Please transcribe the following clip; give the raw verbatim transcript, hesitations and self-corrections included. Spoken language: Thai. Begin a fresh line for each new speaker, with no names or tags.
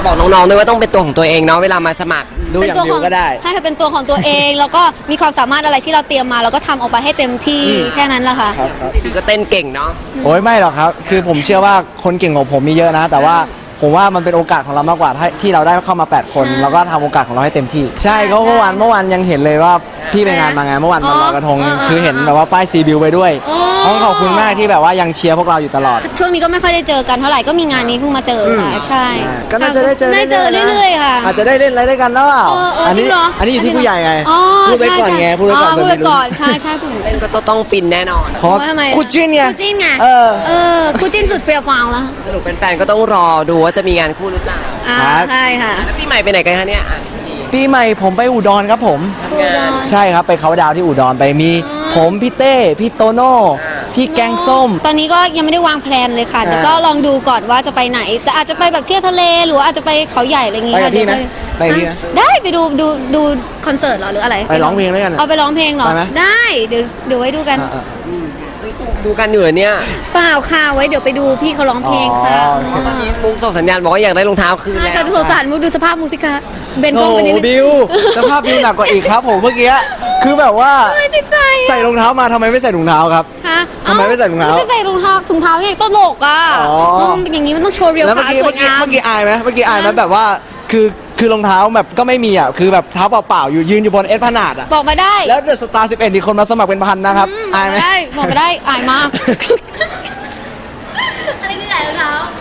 จะบอกน้องๆด้วยว่าต้องเป็นตัวของตัวเองเนาะเวลามาสมัครดูอย่างเดียวก็ได้
ให้เป็นตัวของตัวเองแล้วก็มีความสามารถอะไรที่เราเตรียมมาเราก็ทำออกไปให้เต็มที่แค่นั้นแหละค่ะ
พี่ก็เต้นเก่งเนาะ
โอ้ยไม่หรอกครับคือผมเชื่อว่าคนเก่งของผมมีเยอะนะ แต่ว่าผมว่ามันเป็นโอกาสของเรามากกว่าที่เราได้เข้ามาแปดคนแล้วก็ทำโอกาสของเราให้เต็มที่ใช่ก็เมื่อวานเมื่อวานยังเห็นเลยว่าพี่ไปงานมางานเมื่อวานวันลอยกระทงคือเห็นแบบว่าป้ายซีบิวไปด้วยต้องขอบคุณมากที่แบบว่ายังเชียร์พวกเราอยู่ตลอด
ช่วงนี้ก็ไม่ค่อยได้เจอกันเท่าไหร่ก็มีงานนี้เพิ่งมาเจอค่ะใช่
ก็น่าจะได้เจอ
ได้เจอเรื่อยๆค่ะ
อาจจะได้เล่นอะไรด้วยกันแล้วอันนี้อันนี้อยู่ที่ผู้ใหญ่ไงพูดไปก่อนไงพูดไปก่อน
พูดไปก่อนใช่ใช่ผม
เล่นก็ต้องฟินแน่นอน
เพราะคู่จิ้นไง
คู่จิ้นไง
เออ
เออคู่จิ้นสุดเฟี้ยวฟ้าวแล้ว
สรุปแฟนๆก็ต้องรอดูว่าจะมีงานคู่หรือเปล่า
ใช่ค่ะ
แล้วปีใหม่ไปไหนกันคะเนี่ย
ปีใหม่ผมไปอุดรครับผมใช่ครับไปเขาดาวที่อุดรไปมีผมพี่เต้พี่โตโน่พี่แกงส้ม
ตอนนี้ก็ยังไม่ได้วางแผนเลยค่ะแต่ก็ลองดูก่อนว่าจะไปไหนแต่อาจจะไปแบบเที่ยวทะเลหรืออาจจะไปเขาใหญ่อะไรอย่างงี้
ค่ะไปไหมไปพี่นะ
ได้ไปดูดูดูคอนเสิร์ตหรอหรืออะไร
ไปร้องเพลงด้วยกัน
เอาไปร้องเพลงหรอได้เดี๋ยวเดี๋ยวไว้ดูกัน
ดูกันอยู่เนี่ย
เปล่าค่ะไว้เดี๋ยวไปดูพี่เขาร้องเพลงค่ะ
ตอนนี้มุกส่งสัญญาณบอกว่าอยากได้รองเท้าคืนแล้ว
ค่ะดูสงสารมุกดูสภาพมุกสิคะเบนกล้อง
ไปนิดนึงบิวสภาพบิวหนักกว่าอีกครับผมเมื่อกี้คือแบบว่าใส่รองเท้ามาทำไมไม่ใส่ถุงเท้าครับทำไมไม่ใส่ถุงเท้า
ไม่ใส่รองเท้าถุงเท้าอย่างตลกอ่ะเป็นอย่างนี้มันต้องโชว์เรียวขาสวยงาม
เมื่อกี้อายไหมเมื่อกี้อายไหมแบบว่าคือคือรองเท้าแบบก็ไม่มีอ่ะคือแบบเท้าเปล่าๆอยู่ยืนอยู่บนเอสพนาดอ่ะ
บอกมาได้
แล้วเดอะสตาร์สิบเอ็ดมีคนมาสมัครเป็นพันนะครับอายไหม
ได้บอกมาได้อายมากอะไรคือใส่รองเท้า